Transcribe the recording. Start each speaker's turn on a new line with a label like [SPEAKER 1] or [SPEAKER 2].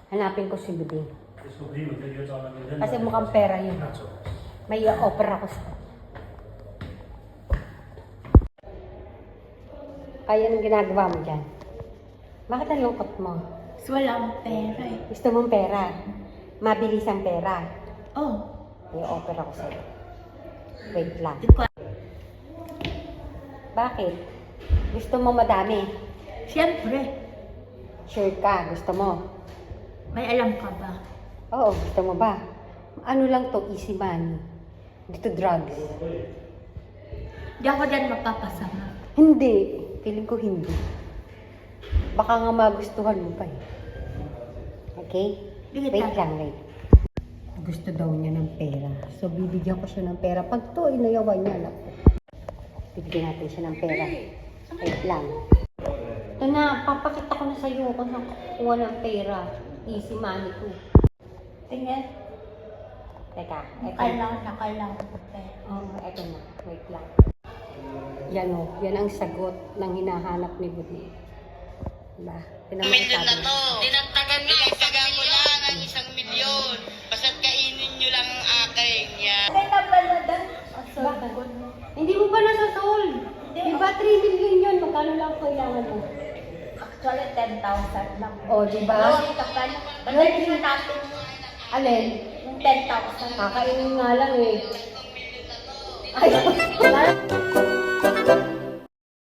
[SPEAKER 1] Hanapin ko si Buding. Kasi mukhang pera yun. May opera ko sa... Kaya anong ginagawa mo dyan? Bakit ang lungkot mo?
[SPEAKER 2] Walang pera eh.
[SPEAKER 1] Gusto mong pera? Mabilis ang pera.
[SPEAKER 2] Oh.
[SPEAKER 1] May opera ko sa'yo. Wait lang. Bakit? Gusto mo madami?
[SPEAKER 2] Siyempre.
[SPEAKER 1] Sure ka? Gusto mo?
[SPEAKER 2] May alam ka ba?
[SPEAKER 1] Oo, gusto mo ba? Ano lang to, easy money. Dito drugs.
[SPEAKER 2] Di ako dyan mapapasama.
[SPEAKER 1] Hindi. Feeling ko hindi. Baka nga magustuhan mo pa eh. Okay? Wait lang, wait. Gusto daw niya ng pera. So, bibigyan ko siya ng pera. Pag to, inayawan niya lang. Bibigyan natin siya ng pera. Wait lang. Ito na, papakita ko na sa'yo kung saan kukuha ng pera. Easy money ko.
[SPEAKER 2] Tingnan.
[SPEAKER 1] Teka, eto.
[SPEAKER 2] Kailangan ko pera.
[SPEAKER 1] Eto na. Wait lang. Yan o. Yan ang sagot ng hinahanap ni Buding. Diba?
[SPEAKER 3] Milyon na to. Dinagdagan mo lang ang 1 milyon. Basta't kainin nyo lang ang akin. Yan.
[SPEAKER 2] Kaya nabaladan.
[SPEAKER 1] Hindi mo pa nasa-solve. Diba 3 million yun? Magkano lang kailangan mo?
[SPEAKER 2] Actually, 10,000 lang.
[SPEAKER 1] O, diba?
[SPEAKER 2] Oo, kapal. Balik na natin
[SPEAKER 1] Alin?
[SPEAKER 2] yung 10,000.
[SPEAKER 1] Kakainin nga lang eh. Ay,